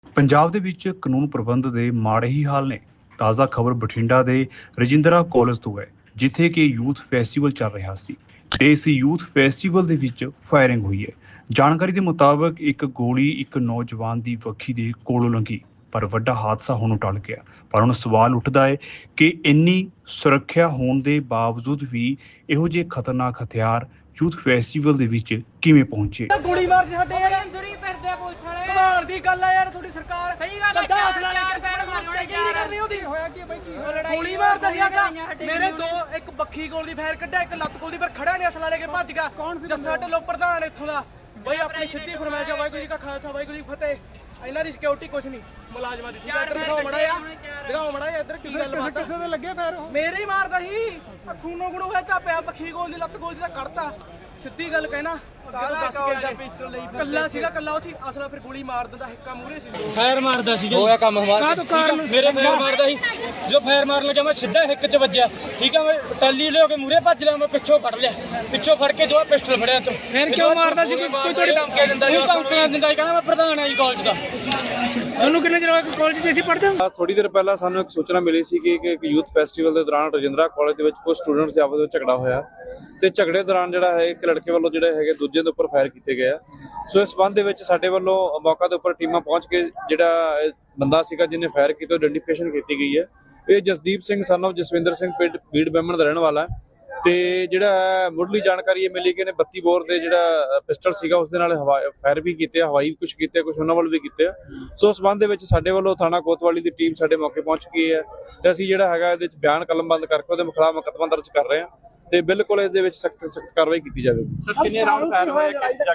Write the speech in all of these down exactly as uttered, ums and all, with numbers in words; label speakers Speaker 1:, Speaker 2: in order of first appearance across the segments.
Speaker 1: ਪੰਜਾਬ ਦੇ ਵਿੱਚ ਕਾਨੂੰਨ ਪ੍ਰਬੰਧ ਦੇ ਮਾੜੇ ਹੀ ਹਾਲ ਨੇ। ਤਾਜ਼ਾ ਖਬਰ ਬਠਿੰਡਾ ਦੇ ਰਜਿੰਦਰਾ ਕਾਲਜ ਤੋਂ ਹੈ, ਜਿੱਥੇ ਕਿ ਯੂਥ ਫੈਸਟੀਵਲ ਚੱਲ ਰਿਹਾ ਸੀ ਤੇ ਇਸ ਯੂਥ ਫੈਸਟੀਵਲ ਦੇ ਵਿੱਚ ਫਾਇਰਿੰਗ ਹੋਈ ਹੈ। ਜਾਣਕਾਰੀ ਦੇ ਮੁਤਾਬਕ ਇੱਕ ਗੋਲੀ ਇੱਕ ਨੌਜਵਾਨ ਦੀ ਵੱਖੀ ਦੇ ਕੋਲੋਂ ਲੰਘੀ, ਪਰ ਵੱਡਾ ਹਾਦਸਾ ਹੋਣੋਂ ਟਲ ਗਿਆ। ਪਰ ਹੁਣ ਸਵਾਲ ਉੱਠਦਾ ਹੈ ਕਿ ਇੰਨੀ ਸੁਰੱਖਿਆ ਹੋਣ ਦੇ ਬਾਵਜੂਦ ਵੀ ਇਹੋ ਜਿਹੇ ਖਤਰਨਾਕ ਹਥਿਆਰ ਯੂਥ ਫੈਸਟੀਵਲ ਦੇ ਵਿੱਚ ਕਿਵੇਂ ਪਹੁੰਚੇ।
Speaker 2: ਗੋਲੀ ਮਾਰ ਕੇ ਸਾਡੇ ਯਾਰ
Speaker 3: ਅੰਦਰ ਹੀ ਫਿਰਦੇ ਆ ਪੁਲਿਸ ਵਾਲੇ।
Speaker 2: ਕਮਾਲ ਦੀ ਗੱਲ ਆ ਯਾਰ, ਤੁਹਾਡੀ ਸਰਕਾਰ
Speaker 3: ਸਹੀ ਗੱਲ ਆ,
Speaker 2: ਬੰਦਾ
Speaker 3: ਚਾਰ-
Speaker 2: ਹਸਲਾ
Speaker 3: ਚਾਰ
Speaker 2: ਲੈ ਕੇ
Speaker 3: ਪੈਰ
Speaker 2: ਮਾਰ
Speaker 3: ਮਾਰਨੇ
Speaker 2: ਕੀ ਨਹੀਂ ਕਰਨੀ ਉਹਦੀ।
Speaker 4: ਹੋਇਆ ਕੀ ਬਾਈ ਕੀ
Speaker 3: ਲੜਾਈ
Speaker 2: ਗੋਲੀ ਮਾਰਦਾ ਸੀਗਾ
Speaker 3: ਸਾਡੇ
Speaker 2: ਮੇਰੇ ਦੋ, ਇੱਕ ਬੱਖੀ ਗੋਲ ਦੀ ਫਾਇਰ ਕੱਢਿਆ, ਇੱਕ ਲੱਤ ਗੋਲ ਦੀ, ਪਰ ਖੜਾ ਨਹੀਂ ਹਸਲਾ ਲੈ ਕੇ ਭੱਜ ਗਿਆ। ਜੱਸਾ ਢਿੱਲੋਂ ਪ੍ਰਧਾਨ ਇੱਥੋਂ ਦਾ ਬਈ ਆਪਣੀ ਸਿੱਧੀ ਫਰਮਾਇਸ਼ ਆ, ਵਾਹਿਗੁਰੂ ਜੀ ਕਾ ਖਾਲਸਾ ਵਾਹਿਗੁਰੂ ਜੀ ਕੀ ਫਤਿਹ। ਇਹਨਾਂ ਦੀ ਸਿਕਿਉਰਿਟੀ ਕੁਛ ਨਹੀਂ, ਮੁਲਾਜ਼ਮਾਂ ਦੀ। ਠੀਕ ਆ, ਇੱਧਰ ਦਿਖਾਓ ਮੜਾ ਆ, ਦਿਖਾਓ ਮੜਾ ਆ ਇੱਧਰ ਕੀ ਗੱਲ ਬਾਤ ਆ।
Speaker 4: ਕਿਸੇ ਦੇ ਲੱਗੇ ਪੈਰ ਉਹ
Speaker 2: ਮੇਰੇ ਹੀ ਮਾਰਦਾ ਸੀ, ਖੂਨੋ ਗੁਣੋ ਹੋਇਆ ਚਾਪਿਆ। ਬੱਖੀ ਗੋਲ ਦੀ ਲੱਤ ਗੋਲ ਦੀ ਤਾਂ ਕੱਢਤਾ, ਸਿੱਧੀ ਗੱਲ ਕਹਿਣਾ। ਦੱਸ ਗਿਆ ਕੱਲਾ ਸੀਗਾ, ਕੱਲਾ ਉਹ ਸੀ ਅਸਲਾ, ਫਿਰ ਗੋਲੀ ਮਾਰ ਦਿੰਦਾ, ਹਿੱਕਾ ਮੂਹਰੇ ਸੀ।
Speaker 5: ਫਾਇਰ ਮਾਰਦਾ ਸੀ
Speaker 6: ਹੋਇਆ ਕੰਮ ਹਮਾਰਾ
Speaker 5: ਕਾਹ ਤੋਂ ਕਾਰਨ ਮੇਰੇ ਫਾਇਰ ਮਾਰਦਾ ਸੀ। ਜੋ ਫਾਇਰ ਮਾਰਨ ਲੱਗਿਆ ਮੈਂ ਸਿੱਧਾ ਹਿੱਕ 'ਚ ਵੱਜਿਆ। ਠੀਕ ਆ, ਮੈਂ ਟਾਲੀ ਲਿਓ ਕੇ ਮੂਹਰੇ ਭੱਜ ਲਿਆ, ਮੈਂ ਪਿੱਛੋਂ ਫੜ ਲਿਆ, ਪਿੱਛੋਂ ਫੜ ਕੇ ਜੋ ਪਿਸਟਲ ਫੜਿਆ ਤੋਂ।
Speaker 6: ਫਿਰ ਕਿਉਂ ਮਾਰਦਾ ਸੀ? ਕੋਈ
Speaker 5: ਥੋੜੀ ਧਮਕੀ ਦਿੰਦਾ ਸੀ, ਧਮਕੀਆਂ ਦਿੰਦਾ ਸੀ, ਕਹਿੰਦਾ ਮੈਂ ਪ੍ਰਧਾਨ ਆ ਜੀ ਕਾਲਜ ਦਾ।
Speaker 6: ਤੁਹਾਨੂੰ ਕਿੰਨੇ ਚਿਰ ਹੋ ਗਿਆ ਕਾਲਜ 'ਚ ਅਸੀਂ ਪੜ੍ਹਦੇ ਹਾਂ?
Speaker 7: ਥੋੜੀ ਦੇਰ ਪਹਿਲਾਂ ਸਾਨੂੰ ਇੱਕ ਸੂਚਨਾ ਮਿਲੀ ਸੀ ਕਿ ਇੱਕ ਯੂਥ ਫੈਸਟੀਵਲ ਦੇ ਦੌਰਾਨ ਰਜਿੰਦਰਾ ਕਾਲਜ ਦੇ ਵਿੱਚ ਕੁਝ ਸਟੂਡੈਂਟਸ ਦੇ ਆਪਸ ਵਿੱਚ ਝਗੜਾ ਹੋਇਆ ਤੇ ਝਗੜੇ ਦੌਰਾਨ ਜਿਹੜਾ ਹੈ ਇੱਕ ਲੜਕੇ ਵੱਲੋਂ ਜਿਹੜੇ ਹੈਗੇ ਦੂਜੇ ਦੇ ਉੱਪਰ ਫਾਇਰ ਕੀਤੇ ਗਏ ਆ। ਸੋ ਇਸ ਸੰਬੰਧ ਦੇ ਵਿੱਚ ਸਾਡੇ ਵੱਲੋਂ ਮੌਕਾ ਦੇ ਉੱਪਰ ਟੀਮਾਂ ਪਹੁੰਚ ਕੇ ਜਿਹੜਾ ਇਹ ਬੰਦਾ ਸੀਗਾ ਜਿਹਨੇ ਫਾਇਰ ਕੀਤਾ ਆਇਡੈਂਟੀਫਿਕੇਸ਼ਨ ਕੀਤੀ ਗਈ ਹੈ। ਇਹ ਜਸਦੀਪ ਸਿੰਘ ਸਨ ਆਫ ਜਸਵਿੰਦਰ ਸਿੰਘ ਪਿੰਡ ਬੀੜ ਬੈਮਣ ਦਾ ਰਹਿਣ ਵਾਲਾ ਹੈ ਤੇ ਜਿਹੜਾ ਮੁੱਢਲੀ ਜਾਣਕਾਰੀ ਇਹ ਮਿਲੀ ਕਿ ਇਹਨੇ ਬੱਤੀ ਬੋਰ ਦੇ ਜਿਹੜਾ ਪਿਸਟਲ ਸੀਗਾ ਉਸ ਦੇ ਨਾਲ ਫਾਇਰ ਵੀ ਕੀਤੇ, ਹਵਾਈ ਵੀ ਕੁਝ ਕੀਤੇ, ਕੁਝ ਉਹਨਾਂ ਵੱਲ ਵੀ ਕੀਤੇ ਆ। ਸੋ ਉਸ ਸੰਬੰਧ ਦੇ ਵਿੱਚ ਸਾਡੇ ਵੱਲੋਂ ਥਾਣਾ ਕੋਤਵਾਲੀ ਦੀ ਟੀਮ ਸਾਡੇ ਮੌਕੇ ਪਹੁੰਚ ਗਈ ਹੈ ਤੇ ਅਸੀਂ ਜਿਹੜਾ ਹੈਗਾ ਇਹਦੇ ਵਿੱਚ ਬਿਆਨ ਕਲਮਬੰਦ ਕਰਕੇ ਉਹਦੇ ਖਿਲਾਫ ਮੁਕੱਦਮਾ ਦਰਜ ਕਰ ਰਹੇ ਹਾਂ ਤੇ ਬਿਲਕੁਲ ਇਹਦੇ ਵਿੱਚ ਸਖਤ ਸਖਤ ਕਾਰਵਾਈ ਕੀਤੀ ਜਾਵੇਗੀ।
Speaker 5: ਸਰ ਕਿੰਨੇ ਰਾਉਂਡ ਫਾਇਰ ਹੋਏ?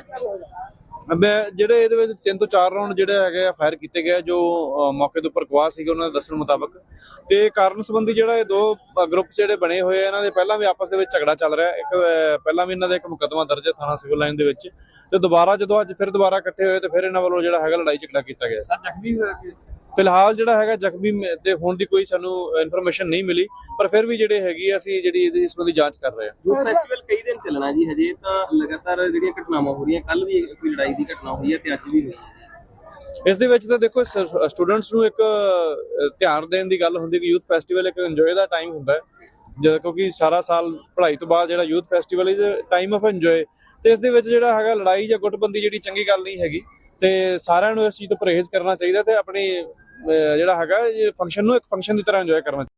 Speaker 7: ਮੈਂ ਜਿਹੜੇ ਇਹਦੇ ਵਿੱਚ ਤਿੰਨ ਤੋਂ ਚਾਰ ਰਾਉਂਡ ਜਿਹੜੇ ਹੈਗੇ ਆ ਫਾਇਰ ਕੀਤੇ ਗਏ, ਜੋ ਮੌਕੇ ਦੇ ਉੱਪਰ ਗਵਾਹ ਸੀਗੇ ਉਹਨਾਂ ਦੇ ਦੱਸਣ ਮੁਤਾਬਕ। ਤੇ ਕਾਰਨ ਸੰਬੰਧੀ ਜਿਹੜਾ ਇਹ ਦੋ ਗਰੁੱਪ ਜਿਹੜੇ ਬਣੇ ਹੋਏ ਆ, ਇਹਨਾਂ ਦੇ ਪਹਿਲਾਂ ਵੀ ਆਪਸ ਦੇ ਵਿੱਚ ਝਗੜਾ ਚੱਲ ਰਿਹਾ। ਇੱਕ ਪਹਿਲਾਂ ਵੀ ਇਹਨਾਂ ਦਾ ਇੱਕ ਮੁਕੱਦਮਾ ਦਰਜ ਹੈ ਥਾਣਾ ਸਿਵਲ ਲਾਈਨ ਦੇ ਵਿੱਚ, ਤੇ ਦੁਬਾਰਾ ਜਦੋਂ ਅੱਜ ਫਿਰ ਦੁਬਾਰਾ ਇਕੱਠੇ ਹੋਏ ਤੇ ਫਿਰ ਇਹਨਾਂ ਵੱਲੋਂ ਜਿਹੜਾ ਹੈਗਾ ਲੜਾਈ ਝਗੜਾ ਕੀਤਾ ਗਿਆ।
Speaker 5: ਸਰ ਜ਼ਖਮੀ ਹੋਇਆ ਕਿਸ?
Speaker 7: ਫਿਲਹਾਲ ਜਿਹੜਾ ਹੈਗਾ ਜ਼ਖਮੀ ਦੇ ਹੋਣ ਦੀ ਕੋਈ ਸਾਨੂੰ ਇਨਫੋਰਮੇਸ਼ਨ ਨਹੀਂ ਮਿਲੀ, ਪਰ ਫਿਰ ਵੀ ਜਿਹੜੇ ਹੈਗੀ ਅਸੀਂ ਜਿਹੜੀ ਇਹਦੀ ਸੰਬੰਧੀ ਜਾਂਚ ਕਰ ਰਹੇ ਹਾਂ।
Speaker 6: ਯੂਥ ਫੈਸਟੀਵਲ ਕਈ ਦਿਨ ਚੱਲਣਾ ਜੀ, ਹਜੇ ਤਾਂ ਲਗਾਤਾਰ ਜਿਹੜੀਆਂ ਘਟਨਾਵਾਂ ਹੋ ਰਹੀਆਂ, ਕੱਲ ਵੀ ਕੋਈ ਲੜਾਈ ਦੀ ਘਟਨਾ ਹੋਈ ਹੈ ਤੇ ਅੱਜ ਵੀ ਹੋਈ ਹੈ।
Speaker 7: ਇਸ ਦੇ ਵਿੱਚ ਤਾਂ ਦੇਖੋ ਸਟੂਡੈਂਟਸ ਨੂੰ ਇੱਕ ਧਿਆਨ ਦੇਣ ਦੀ ਗੱਲ ਹੁੰਦੀ ਕਿ ਯੂਥ ਫੈਸਟੀਵਲ ਇੱਕ ਇੰਜੋਏ ਦਾ ਟਾਈਮ ਹੁੰਦਾ ਹੈ, ਜਦ ਕਿਉਂਕਿ ਸਾਰਾ ਸਾਲ ਪੜ੍ਹਾਈ ਤੋਂ ਬਾਅਦ ਜਿਹੜਾ youth festival is time of enjoy. ਤੇ ਇਸ ਦੇ ਵਿੱਚ ਜਿਹੜਾ ਹੈਗਾ ਲੜਾਈ ਜਾਂ ਗੁੱਟਬੰਦੀ ਜਿਹੜੀ ਚੰਗੀ ਗੱਲ ਨਹੀਂ ਹੈਗੀ ਤੇ ਸਾਰਿਆਂ ਨੂੰ ਇਸ ਚੀਜ਼ ਤੋਂ ਪਰਹੇਜ਼ ਕਰਨਾ ਚਾਹੀਦਾ ਤੇ ਆਪਣੀ ਜਿਹੜਾ ਹੈਗਾ ਫੰਕਸ਼ਨ ਨੂੰ ਇੱਕ ਫੰਕਸ਼ਨ ਦੀ ਤਰ੍ਹਾਂ ਇੰਜੋਏ ਕਰਨਾ ਚਾਹੀਦਾ।